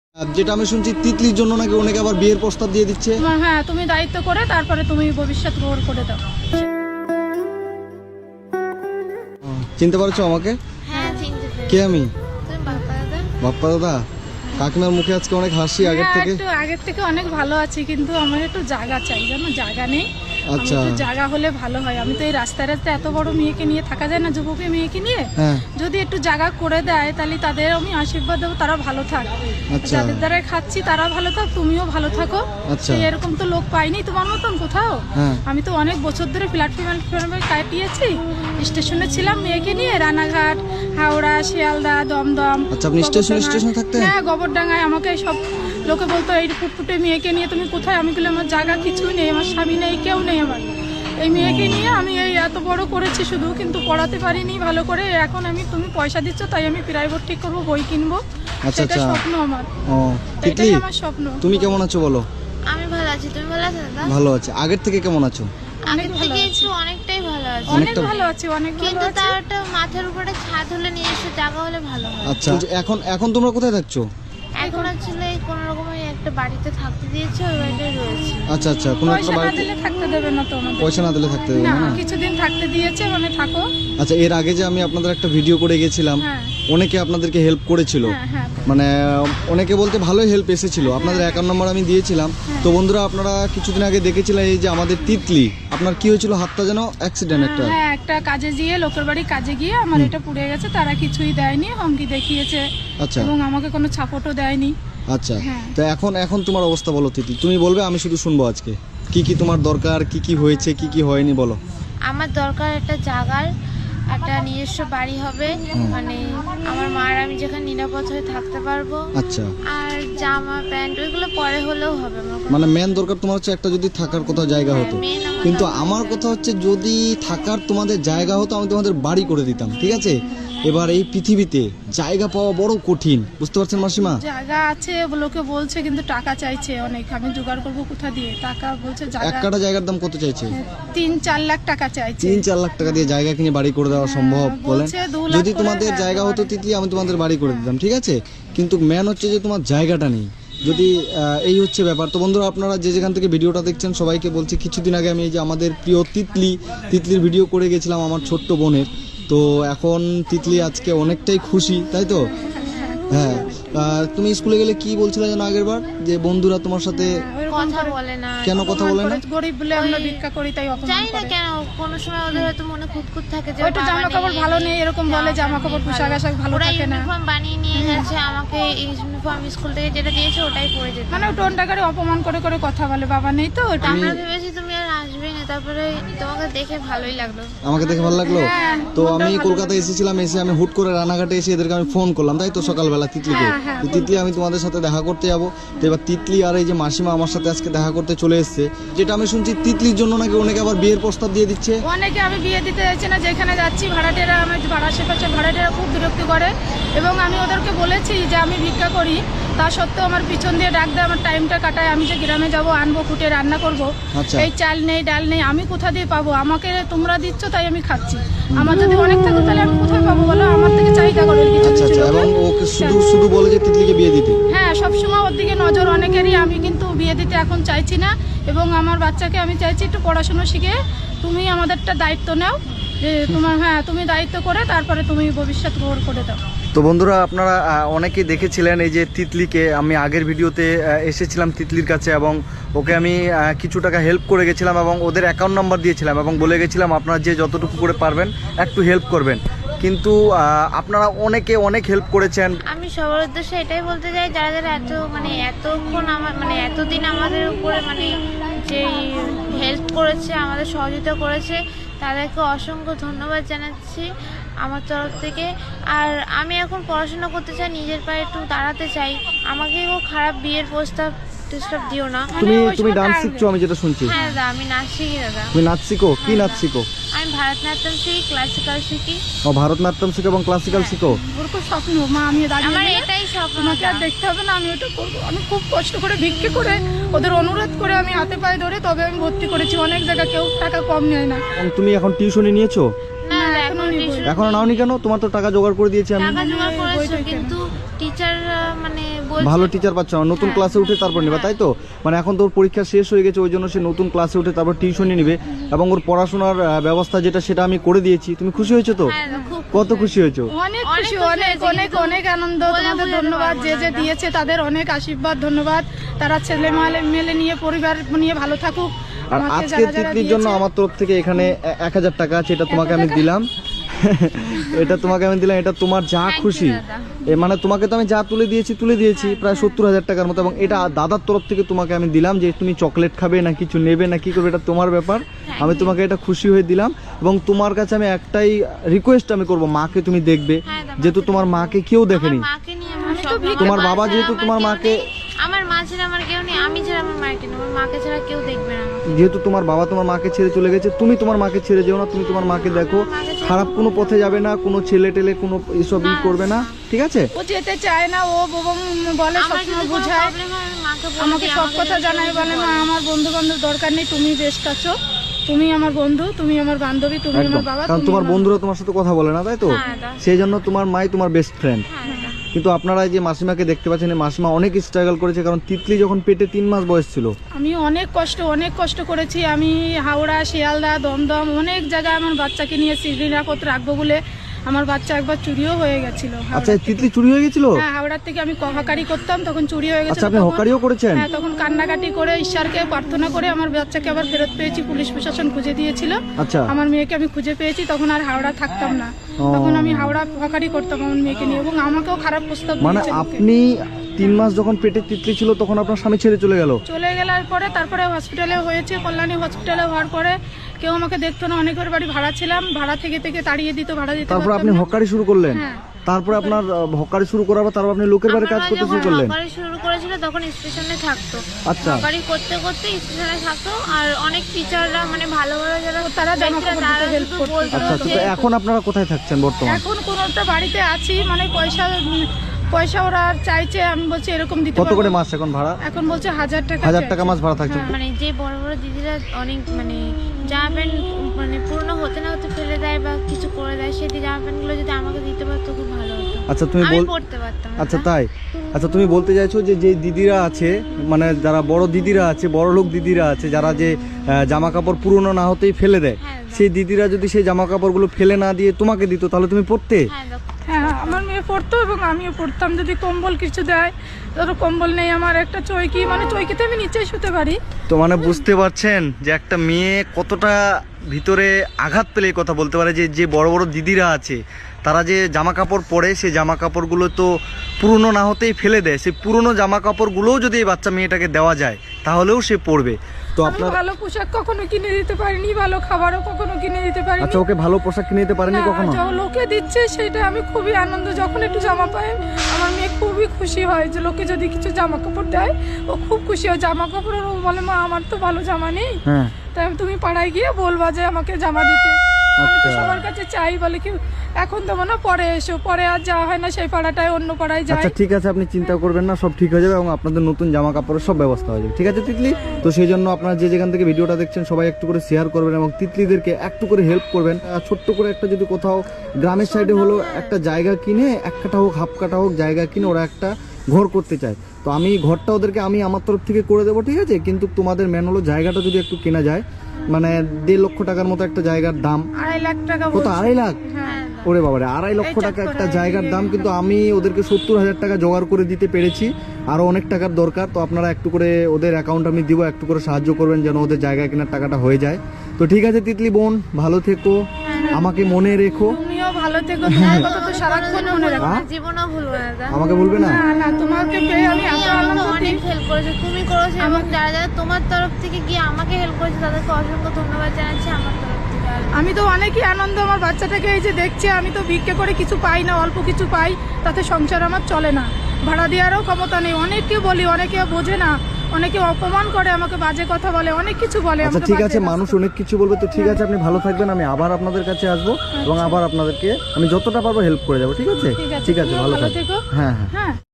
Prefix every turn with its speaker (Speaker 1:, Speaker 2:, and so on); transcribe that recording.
Speaker 1: যেটা আমি শুনছি তিতলির জন্য নাকি অনেকে আবার বিয়ের প্রস্তাব দিয়ে দিচ্ছে।
Speaker 2: হ্যাঁ, তুমি দায়িত্ব করে তারপরে তুমি ভবিষ্যৎ গ্রহণ করে দাও।
Speaker 1: চিনতে পারছো আমাকে?
Speaker 3: হ্যাঁ চিনতে পেরেছি।
Speaker 1: কে আমি?
Speaker 3: তুমি বাপ্পা দাদা?
Speaker 1: বাপ্পা দাদা। কাকিমার মুখে আজকে অনেক হাসি আগের থেকে।
Speaker 2: একটু আগের থেকে অনেক ভালো আছি, কিন্তু আমার একটু জায়গা চাই, জানো জায়গা নেই।
Speaker 1: আচ্ছা,
Speaker 2: একটু জায়গা হলে ভালো হয়। আমি তো এই রাস্তায় রাস্তায় এত বড় মেয়েকে নিয়ে থাকা যায় না, যুবকী মেয়েকে নিয়ে।
Speaker 1: হ্যাঁ
Speaker 2: যদি একটু জায়গা করে দেয় তাহলে তাদের আমি আশীর্বাদ দেবো, তারা ভালো থাক।
Speaker 1: আচ্ছা
Speaker 2: যাদের দ্বারা খাচ্ছি তারা ভালো থাক, তুমিও ভালো থাকো।
Speaker 1: আচ্ছা
Speaker 2: এরকম তো লোক পাইনি তোমার মতন কোথাও।
Speaker 1: হ্যাঁ
Speaker 2: আমি তো অনেক বছর ধরে প্ল্যাটফর্মে কাটিয়েছি। স্টেশনে ছিলাম মেয়েকে নিয়ে, রানাঘাট, হাওড়া, শিয়ালদা, দমদম।
Speaker 1: আচ্ছা, আপনি স্টেশনে থাকতেন?
Speaker 2: হ্যাঁ, গোবরডাঙ্গায়। আমাকে সব লোকে বলতো এই ফুটফুটে মেয়েকে নিয়ে তুমি কোথায়। আমি বললাম আমার জায়গা কিছুই নেই, আমার স্বামী নেই, কেউ নেই আমার। এই মেয়েকে নিয়ে আমি এই এত বড় করেছি শুধু, কিন্তু পড়াতে পারিনি ভালো করে। এখন তুমি পয়সা দিচ্ছ তাই আমি প্রাইভেট ঠিক করবো, বই কিনবো।
Speaker 1: আচ্ছা
Speaker 2: সেটা
Speaker 1: আচ্ছা
Speaker 2: স্বপ্ন আমার,
Speaker 1: ও তিতলি,
Speaker 2: এটাই আমার স্বপ্ন।
Speaker 1: তুমি কেমন আছো বলো?
Speaker 3: আমি ভালো আছি, তুমি ভালো আছো দাদা?
Speaker 1: ভালো আছে। আগের থেকে কেমন আছো?
Speaker 3: আগের থেকে একটু অনেকটাই ভালো আছি।
Speaker 2: অনেক
Speaker 1: অনেকটা
Speaker 2: ভালো আছি, অনেক ভালো
Speaker 3: কিন্তু
Speaker 2: আছি।
Speaker 3: তার একটা মাথার উপরে ছাদ হলে, নিজস্ব জায়গা হলে ভালো হয়।
Speaker 1: আচ্ছা, এখন তোমরা কোথায় থাকছো?
Speaker 3: এখন আসলে কোনো রকমের একটা বাড়িতে থাকতে দিয়েছে, ওই বাড়িতে রয়েছে।
Speaker 1: আচ্ছা আচ্ছা, কোনো একটা
Speaker 2: পয়সা না
Speaker 1: বাড়িতে
Speaker 2: দিলে থাকতে দেবে না তো আমাদের।
Speaker 1: পয়সা না দিলে থাকতে দেবে
Speaker 2: না,
Speaker 1: না?
Speaker 2: কিছুদিন থাকতে দিয়েছে, মানে থাকো।
Speaker 1: আচ্ছা, এর আগে যে আমি আপনাদের একটা ভিডিও করে গেছিলাম,
Speaker 2: হ্যাঁ
Speaker 1: অনেকে আপনাদেরকে হেল্প করেছিল।
Speaker 2: হ্যাঁ হ্যাঁ
Speaker 1: মানে অনেকে বলতে ভালোই হেল্প এসেছিল। আপনাদের অ্যাকাউন্ট নাম্বার আমি দিয়েছিলাম। তো বন্ধুরা, আপনারা কিছুদিন আগে দেখেছিলেন এই যে আমাদের তিতলি, আপনার কি হয়েছিল? হাতটা যেন অ্যাক্সিডেন্ট একটা।
Speaker 2: হ্যাঁ, একটা কাজে গিয়ে, লোকের বাড়ি কাজে গিয়ে আমার এটা পুড়ে গেছে। তারা কিছুই দেয়নি, হুমকি দেখিয়েছে
Speaker 1: আচ্ছা
Speaker 2: এবং আমাকে কোনো সাপোর্টও দেয়নি।
Speaker 1: আচ্ছা,
Speaker 2: হ্যাঁ।
Speaker 1: তো এখন তোমার অবস্থা বলো তিতলি, তুমি বলবে, আমি শুধু শুনবো আজকে কি কি তোমার দরকার, কি কি হয়েছে, কি কি হয়নি বলো।
Speaker 3: আমার দরকার একটা জায়গার, একটা নিজস্ব বাড়ি হবে, মানে আমার মার আমি যেখানে নিরাপদ হয়ে থাকতে পারবো।
Speaker 1: আচ্ছা,
Speaker 3: আর জামা প্যান্ট ওইগুলো পরে হলেও হবে। আমার কোনো-
Speaker 1: মানে মেন দরকার তোমার হচ্ছে একটা যদি থাকার কোথাও জায়গা হতো।
Speaker 3: main আমার
Speaker 1: কিন্তু
Speaker 3: দরকার-
Speaker 1: আমার কথা হচ্ছে যদি থাকার তোমাদের জায়গা হতো, আমি তোমাদের বাড়ি করে দিতাম, ঠিক আছে? এবার এই পৃথিবীতে জায়গা পাওয়া বড় কঠিন, বুঝতে পারছেন মাসিমা?
Speaker 2: জায়গা আছে লোকে বলছে, কিন্তু টাকা চাইছে অনেক। আমি জোগাড় করবো কোথা দিয়ে টাকা? বলছে
Speaker 1: এক
Speaker 2: জায়গা
Speaker 1: কাঠা জায়গার দাম কত চাইছে?
Speaker 2: 3-4 লাখ টাকা চাইছে।
Speaker 1: 3-4 লাখ টাকা দিয়ে জায়গা কিনে বাড়ি করে দেওয়া সম্ভব বলেন?
Speaker 2: বলছে 2 লাখ
Speaker 1: যদি
Speaker 2: করে,
Speaker 1: তোমাদের
Speaker 2: হ্যাঁ,
Speaker 1: জায়গা হতো তিতলি, আমি তোমাদের বাড়ি করে দিতাম, ঠিক আছে? কিন্তু মেন হচ্ছে যে তোমার জায়গাটা নেই। যদি এই হচ্ছে ব্যাপার। তো বন্ধুরা, আপনারা যে যেখান থেকে ভিডিওটা দেখছেন সবাইকে বলছি, কিছুদিন আগে আমি এই যে আমাদের প্রিয় তিতলির ভিডিও করে গেছিলাম আমার ছোট্ট বোনের। তো এখন তিতলি আজকে অনেকটাই খুশি, তাই তো? হ্যাঁ। তুমি স্কুলে গেলে কি বলছিলে যেন আগের বার, যে বন্ধুরা তোমার সাথে
Speaker 2: ওইরকম
Speaker 3: কথা
Speaker 2: করে
Speaker 3: বলে না।
Speaker 1: কেন কথা বলে না?
Speaker 2: গরিব বলে আমরা ভিক্ষা করি তাই অপমান
Speaker 3: জানি না
Speaker 2: করে।
Speaker 3: কেন, কোনো সময় ওদের হয়তো মনে খুঁতখুত থাকে যে
Speaker 2: ওইটা জামা কাপড় ভালো নেই, এরকম বলে। জামা কাপড় পোশাক আশাক ভালো
Speaker 3: ওরা
Speaker 2: থাকে না।
Speaker 3: ইউনিফর্ম বানিয়ে নিয়ে গেছে, আমাকে ইউনিফর্ম স্কুল থেকে যেটা দিয়েছে ওটাই পরে যেতে।
Speaker 2: মানে টোন টাকারে অপমান করে করে কথা বলে। বাবা নেই তো ওটা।
Speaker 3: আমরা ভেবেছি তুমি আর আসবেই না, তারপরে তোমাকে দেখে ভালোই লাগলো।
Speaker 1: আমাকে দেখে ভালো লাগলো।
Speaker 2: হ্যাঁ,
Speaker 1: তো আমি কলকাতায় এসেছিলাম, এসে আমি হুট করে রানাঘাটে এসে এদেরকে আমি ফোন করলাম, তাই তো সকালবেলা তিতলিকে।
Speaker 2: হ্যাঁ, হ্যাঁ,
Speaker 1: তো তিতলি, আমি তোমাদের সাথে দেখা করতে যাবো। তো এবার তিতলি আর এই যে মাসিমা আমার সাথে আজকে দেখা করতে চলে এসেছে। যেটা আমি শুনছি তিতলির জন্য নাকি অনেকে আবার বিয়ের প্রস্তাব দিয়ে দিচ্ছে।
Speaker 2: অনেকে আমি বিয়ে দিতে যাচ্ছি না, যেখানে যাচ্ছি ভাড়াটেরা, আমার আশেপাশে ভাড়াটেরা খুব বিরক্তি করে। এবং আমি ওদেরকে বলেছি যে আমি ভিক্ষা করি, তা সত্ত্বেও আমার পিছন দিয়ে ডাক দেয়, আমার টাইমটা কাটায়। আমি যে গ্রামে যাব, আনবো, ফুটে রান্না করব,
Speaker 1: আচ্ছা।
Speaker 2: এই চাল নেই, ডাল নেই, আমি কোথা দিয়ে পাবো? আমাকে তোমরা দিচ্ছ তাই আমি খাচ্ছি। আমার যদি অনেক থাকতো তাহলে আমি কোথায় পাবো বলো? আমার থেকে চাহিদা করো কিছু
Speaker 1: আচ্ছা
Speaker 2: কিছু
Speaker 1: আচ্ছা,
Speaker 2: লোকে।
Speaker 1: এবং ওকে শুধু বলে যে তিতলিকে বিয়ে দিতে।
Speaker 2: হ্যাঁ, সবসময় ওর দিকে নজর অনেকেরই। আমি কিন্তু বিয়ে দিতে এখন চাইছি না, এবং আমার বাচ্চাকে আমি চাইছি একটু পড়াশোনা শিখে তুমি আমাদেরটা দায়িত্ব নাও, যে তোমার, হ্যাঁ, তুমি দায়িত্ব করে তারপরে তুমি ভবিষ্যৎ গ্রহণ করে দাও।
Speaker 1: তো বন্ধুরা, আপনারা অনেকেই দেখেছিলেন এই যে তিতলিকে, আমি আগের ভিডিওতে এসেছিলাম তিতলির কাছে এবং ওকে আমি কিছু টাকা হেল্প করে গেছিলাম এবং ওদের অ্যাকাউন্ট নাম্বার দিয়েছিলাম এবং বলে গেছিলাম আপনারা যে যতটুকু করে পারবেন একটু হেল্প করবেন। কিন্তু আপনারা অনেক হেল্প করেছেন।
Speaker 3: আমি সবার উদ্দেশ্যে এটাই বলতে চাই, যারা যারা এতক্ষণ আমার এতদিন আমাদের উপরে যে হেল্প করেছে, আমাদের সহযোগিতা করেছে, তাদেরকে অসংখ্য ধন্যবাদ জানাচ্ছি আমার তরফ থেকে। আর আমি এখন পড়াশোনা করতে চাই, নিজের পায়ে একটু দাঁড়াতে চাই। আমাকে খারাপ বিয়ের প্রস্তাব দিও না।
Speaker 1: তুমি ডান্স শিখছো আমি যেটা শুনছি?
Speaker 3: হ্যাঁ দাদা, আমি নাচ শিখি দাদা।
Speaker 1: তুমি নাচ শিখো? কি নাচ শিখো?
Speaker 3: আমি ভারতনাট্যম শিখি, ক্লাসিক্যাল শিখি।
Speaker 1: ও, ভারতনাট্যম শিখো এবং ক্লাসিক্যাল শিখো?
Speaker 2: ওর খুব স্বপ্ন, মা আমি
Speaker 3: আমার
Speaker 2: দাঁড়িয়ে
Speaker 3: এটাই স্বপ্ন।
Speaker 2: তোমাকে আর দেখতে হবে না, আমি ওটা করবো। আমি খুব কষ্ট করে ভিক্ষে করে, ওদের অনুরোধ করে, আমি হাতে পায়ে ধরে তবে আমি ভর্তি করেছি। অনেক জায়গায় কেউ টাকা কম নেয় না।
Speaker 1: এবং তুমি এখন টিউশনি নিয়েছো?
Speaker 3: না,
Speaker 2: এখনো নিবো।
Speaker 3: tuition
Speaker 1: এখনো নাওনি কেন? তোমার তো টাকা জোগাড় করে দিয়েছি আমি।
Speaker 3: টাকা জোগাড় করেছি,
Speaker 2: সেটাই
Speaker 3: কিন্তু টিচার মানে বলছে
Speaker 1: ভালো টিচার পাচ্ছ না, নতুন ক্লাসে উঠে তারপর নিবা, তাই তো? মানে এখন তোর পরীক্ষা শেষ হয়ে গেছে, ওই জন্য সে নতুন ক্লাসে উঠে তারপর টিউশনি নিবে, এবং ওর পড়াশোনার ব্যবস্থা যেটা সেটা আমি করে দিয়েছি। তুমি খুশি হয়েছো তো?
Speaker 3: হ্যাঁ, খুব
Speaker 1: কত খুশি হয়েছো?
Speaker 2: অনেক
Speaker 3: অনেক
Speaker 2: খুশি,
Speaker 3: খুশি
Speaker 2: অনেক
Speaker 3: হয়েছি,
Speaker 2: অনেক
Speaker 3: কিন্তু
Speaker 2: অনেক আনন্দ।
Speaker 3: বলে
Speaker 2: তোমাদের
Speaker 3: বোঝাতে
Speaker 2: ধন্যবাদ,
Speaker 3: পারবো
Speaker 2: যে
Speaker 3: না
Speaker 2: যে
Speaker 3: এটা।
Speaker 2: দিয়েছে তাদের অনেক আশীর্বাদ, ধন্যবাদ। তারা ছেলে মেলে নিয়ে পরিবার নিয়ে ভালো থাকুক।
Speaker 1: আর
Speaker 2: আমাকে
Speaker 1: আজকে
Speaker 2: যারা যারা
Speaker 1: তিতলির জন্য
Speaker 2: দিয়েছে,
Speaker 1: আমার তরফ থেকে এখানে 1000 টাকা আছে, এটা তোমাকে আমি দিলাম। এটা তোমাকে আমি দিলাম, এটা তোমার যা
Speaker 3: Thank you,
Speaker 1: খুশি।
Speaker 3: দাদা।
Speaker 1: মানে তোমাকে তো আমি যা তুলে দিয়েছি প্রায় 70,000 টাকার মতো, এবং এটা দাদার তরফ থেকে তোমাকে আমি দিলাম, যে তুমি চকলেট খাবে না কিছু নেবে না কি করবে এটা তোমার ব্যাপার। আমি তোমাকে এটা খুশি হয়ে দিলাম, এবং তোমার কাছে আমি একটাই রিকোয়েস্ট আমি করব, মাকে তুমি দেখবে,
Speaker 3: হ্যাঁ, দাদা।
Speaker 1: যেহেতু তোমার মাকে কেউ দেখেনি।
Speaker 3: আমার মাকে নিয়ে আমার
Speaker 2: আমি তো
Speaker 3: স্বপ্ন।
Speaker 2: ভিক্ষা
Speaker 1: তোমার
Speaker 3: আমার
Speaker 1: বাবা
Speaker 3: মা
Speaker 1: যেহেতু
Speaker 3: ছাড়া
Speaker 1: তোমার
Speaker 3: আমার কেউ
Speaker 1: মাকে-
Speaker 3: নেই। আমার মা ছাড়া আমার কেউ নেই, আমি ছাড়া আমার মাকে নেই, আমার মাকে ছাড়া কেউ দেখবে না আমাকে।
Speaker 1: যেহেতু তোমার বাবা তোমার মাকে ছেড়ে চলে গেছে, তুমি তোমার মাকে ছেড়ে যেও না, তুমি তোমার মাকে দেখো, খারাপ কোনো পথে যাবে না, কোনো ছেলে টেলে কোনো এসব করবে না, ঠিক আছে?
Speaker 2: ও যেতে চায় না, ও বলে
Speaker 3: আমার
Speaker 2: সবসময়
Speaker 3: যদি কোনো
Speaker 2: বোঝায়,
Speaker 3: প্রবলেম হয় আমি মাকে বলি,
Speaker 2: আমাকে সব কথা জানায়, বলে মা আমার বন্ধু বান্ধব দরকার নেই, তুমি বেস্ট আছো, তুমি আমার বন্ধু, তুমি আমার বান্ধবী, তুমি
Speaker 1: একদম,
Speaker 2: আমার বাবা।
Speaker 1: কারণ
Speaker 2: তুমি
Speaker 1: তোমার
Speaker 2: আমার-
Speaker 1: বন্ধুরা তোমার সাথে কথা বলে না, তাই তো?
Speaker 3: হ্যাঁ, দাদা।
Speaker 1: সেই জন্য তোমার মাই তোমার বেস্ট ফ্রেন্ড।
Speaker 3: হ্যাঁ, দাদা।
Speaker 1: কিন্তু আপনারা এই যে মাসিমাকে দেখতে পাচ্ছেন, এই মাসিমা অনেক স্ট্রাগল করেছে, কারণ তিতলি যখন পেটে 3 মাস বয়স ছিল।
Speaker 2: আমি অনেক কষ্ট করেছি। আমি হাওড়া, শিয়ালদা, দমদম অনেক জায়গায় আমার বাচ্চাকে নিয়ে নিরাপদ রাখবো বলে আমার বাচ্চা একবার চুরিও হয়ে গেছিল।
Speaker 1: আচ্ছা, এই তিতলি চুরি হয়ে গেছিল?
Speaker 2: হ্যাঁ, হাওড়ার থেকে আমি হকারি করতাম, তখন চুরি হয়ে গেছিল।
Speaker 1: আচ্ছা, আপনি
Speaker 2: তখন-
Speaker 1: হকারিও করেছেন?
Speaker 2: হ্যাঁ, তখন কান্নাকাটি করে ঈশ্বরকে প্রার্থনা করে আমার বাচ্চাকে আবার ফেরত পেয়েছি, পুলিশ প্রশাসন খুঁজে দিয়েছিল।
Speaker 1: আচ্ছা,
Speaker 2: আমার মেয়েকে আমি খুঁজে পেয়েছি, তখন আর হাওড়া থাকতাম না, তখন আমি হাওড়া হকারি করতাম আমার মেয়েকে নিয়ে, এবং আমাকেও খারাপ প্রস্তাব
Speaker 1: মানে
Speaker 2: দিয়েছে লোকে।
Speaker 1: আপনি 3 মাস যখন পেটে তিতলি ছিল তখন আপনার স্বামী ছেড়ে চলে গেল?
Speaker 2: চলে গেলার পরে তারপরে হসপিটালে হয়েছে, কল্যাণী হসপিটালে হওয়ার পরে কেউ আমাকে দেখতো না, অনেকের বাড়ি ভাড়া ছিলাম, ভাড়া থেকে তাড়িয়ে দিত, ভাড়া দিতে
Speaker 1: তারপর
Speaker 2: পারতাম
Speaker 1: আপনি
Speaker 2: না।
Speaker 1: হকারি শুরু করলেন?
Speaker 2: হ্যাঁ।
Speaker 1: তারপরে আপনার হকারি শুরু করার পর তারপর আপনি লোকের বাড়ি কাজ
Speaker 3: আমার
Speaker 1: করতে
Speaker 3: যখন
Speaker 1: শুরু করলেন?
Speaker 3: হকারি শুরু করেছিল তখন স্টেশনে থাকতো,
Speaker 1: আচ্ছা,
Speaker 3: হকারি করতে করতে স্টেশনে থাকতো। আর অনেক টিচাররা মানে ভালো ভালো যারা
Speaker 2: তারা জামা
Speaker 3: ছিল,
Speaker 2: কাপড়
Speaker 3: তারা
Speaker 2: দিতে help
Speaker 3: শুধু
Speaker 2: করতো।
Speaker 3: বলতো
Speaker 1: আচ্ছা,
Speaker 3: যে
Speaker 1: তো এখন আপনারা কোথায় থাকছেন বর্তমানে?
Speaker 2: এখন কোন একটা বাড়িতে আছি, মানে পয়সা ওরা চাইছে, আমি বলছি এরকম দিতে
Speaker 1: কত
Speaker 2: পারবো
Speaker 1: করে
Speaker 2: না।
Speaker 1: মাস এখন ভাড়া?
Speaker 2: এখন বলছে 1000 টাকা।
Speaker 1: 1000 টাকা মাস ভাড়া থাকছে।
Speaker 2: হ্যাঁ।
Speaker 3: মানে যে বড় বড় দিদিরা অনেক মানে জামা প্যান্ট মানে পুরনো হতে না হতে ফেলে দেয় বা কিছু করে দেয়, সেই জামা প্যান্টগুলো যদি আমাকে দিতে পারতো খুব ভালো হতো,
Speaker 1: আচ্ছা, তুমি
Speaker 3: আমি
Speaker 1: বল
Speaker 3: পড়তে পারতাম।
Speaker 1: আচ্ছা, তাই? আচ্ছা, তুমি বলতে চাইছো যে যে দিদিরা আছে, মানে যারা বড় দিদিরা আছে, বড় লোক দিদিরা আছে, যারা যে জামা কাপড় পুরনো না হতেই ফেলে দেয়,
Speaker 3: হ্যাঁ,
Speaker 1: সেই দিদিরা যদি সেই জামা কাপড়গুলো ফেলে না দিয়ে তোমাকে দিত তাহলে তুমি পরতে?
Speaker 3: হ্যাঁ,
Speaker 2: হ্যাঁ, আমার মেয়ে পড়তো এবং আমিও পড়তাম। যদি কম্বল কিছু দেয়, ধরো কম্বল নেই আমার, একটা চৌকি, মানে চৌকিতে আমি নিচেই শুতে পারি।
Speaker 1: তো মানে বুঝতে পারছেন যে একটা মেয়ে কতটা ভিতরে আঘাত পেলে এই কথা বলতে পারে, যে যে বড় বড় দিদিরা আছে তারা যে জামা কাপড় পরে, সেই জামা কাপড়গুলো তো পুরনো না হতেই ফেলে দেয়, সেই পুরনো জামা কাপড়গুলোও যদি এই বাচ্চা মেয়েটাকে দেওয়া যায় তাহলেও সে পরবে। তো
Speaker 2: আমি
Speaker 1: আপনার
Speaker 2: ভালো পোশাক কখনো কিনে দিতে পারিনি, ভালো খাবারও কখনো কিনে দিতে পারিনি।
Speaker 1: আচ্ছা, ওকে ভালো পোশাক কিনে দিতে পারেনি
Speaker 2: না,
Speaker 1: কখনো?
Speaker 2: যখন লোকে দিচ্ছে সেটা আমি খুবই আনন্দ, যখন একটু জামা পাই আমার মেয়ে খুবই খুশি হয়, যে লোকে যদি কিছু জামা কাপড় দেয় ও খুব খুশি হয়। জামা কাপড় ও বলে মা আমার তো ভালো জামা নেই,
Speaker 1: হ্যাঁ,
Speaker 2: তাই তুমি পাড়ায় গিয়ে বলবা যে আমাকে জামা দিতে। আমি তো
Speaker 1: আচ্ছা।
Speaker 2: সবার কাছে চাই, বলে কি এখন দেবো না, পরে এসো, পরে আর যাওয়া হয় না সেই পাড়াটায়, অন্য পাড়ায় যাই।
Speaker 1: আচ্ছা, ঠিক আছে, আপনি চিন্তা করবেন না, সব ঠিক হয়ে যাবে, এবং আপনাদের নতুন জামা কাপড়ের সব ব্যবস্থা হয়ে যাবে, ঠিক আছে তিতলি? তো সেই জন্য আপনারা যে যেখান থেকে ভিডিওটা দেখছেন সবাই একটু করে শেয়ার করবেন, এবং তিতলিদেরকে একটু করে হেল্প করবেন। আর ছোট্ট করে একটা যদি কোথাও গ্রামের সাইডে হলো একটা জায়গা কিনে, 1 কাঠা হোক, হাফ কাঠা হোক জায়গা কিনে ওরা একটা ঘর করতে চায়, তো আমি ঘরটা ওদেরকে আমি আমার তরফ থেকে করে দেবো, ঠিক আছে? কিন্তু তোমাদের মেন হলো জায়গাটা যদি একটু কেনা যায়, মানে 1.5 লক্ষ টাকার মতো একটা জায়গার দাম।
Speaker 2: 2.5 লাখ টাকা
Speaker 1: কত?
Speaker 2: বলছে।
Speaker 1: 2.5 লাখ?
Speaker 2: হ্যাঁ,
Speaker 1: ওরে বাবারে, 2.5 লক্ষ টাকা একটা জায়গার দাম, কিন্তু আমি ওদেরকে 70,000 টাকা জোগাড় করে দিতে পেরেছি, আরো অনেক টাকার দরকার। তো আপনারা একটু করে ওদের অ্যাকাউন্ট আমি দিব, একটু করে সাহায্য করবেন যেন ওদের জায়গা কেনার টাকাটা হয়ে যায়। তো ঠিক আছে তিতলি বোন, ভালো থেকো, আমাকে মনে রেখো।
Speaker 2: তুমিও ভালো থেকো, তোমার কথা তো সারাক্ষণ মনে রাখো।
Speaker 1: হ্যাঁ?
Speaker 3: জীবনও ভুলবো না দাদা।
Speaker 1: আমাকে বলবে না?
Speaker 2: না না, তোমাকে পেয়ে আমি
Speaker 3: তুমি
Speaker 2: এত
Speaker 3: আমাকে
Speaker 2: আনন্দ
Speaker 3: অনেক
Speaker 2: দিই।
Speaker 3: হেল্প করেছো, তুমি করেছো, এবং যারা যারা তোমার তরফ থেকে গিয়ে আমাকে হেল্প করেছে তাদেরকে অসংখ্য ধন্যবাদ জানাচ্ছি আমার তরফ থেকে। আর
Speaker 2: আমি তো অনেকই আনন্দ, আমার বাচ্চাটাকে এই যে দেখছি, আমি তো ভিক্ষে করে কিছু পাই না, অল্প কিছু পাই, তাতে সংসার আমার চলে না, ভাড়া দেওয়ারও ক্ষমতা নেই। অনেককে বলি, অনেকে বোঝে না, অনেকে অপমান করে, আমাকে বাজে কথা বলে, অনেক কিছু বলে।
Speaker 1: আচ্ছা,
Speaker 2: আমাকে
Speaker 1: ঠিক
Speaker 2: বাজে
Speaker 1: আছে,
Speaker 2: রাস্তা-
Speaker 1: মানুষ অনেক কিছু বলবে, তো ঠিক আছে, আপনি ভালো থাকবেন, আমি আবার আপনাদের কাছে আসবো, এবং আবার আপনাদেরকে আমি যতটা পারবো হেল্প করে যাবো, ঠিক আছে?
Speaker 2: ঠিক আছে,
Speaker 1: ঠিক আছে,
Speaker 2: তুমিও
Speaker 1: ভালো
Speaker 2: ভালো
Speaker 1: থাকবেন।
Speaker 2: থেকো।
Speaker 1: হ্যাঁ হ্যাঁ।
Speaker 2: হ্যাঁ।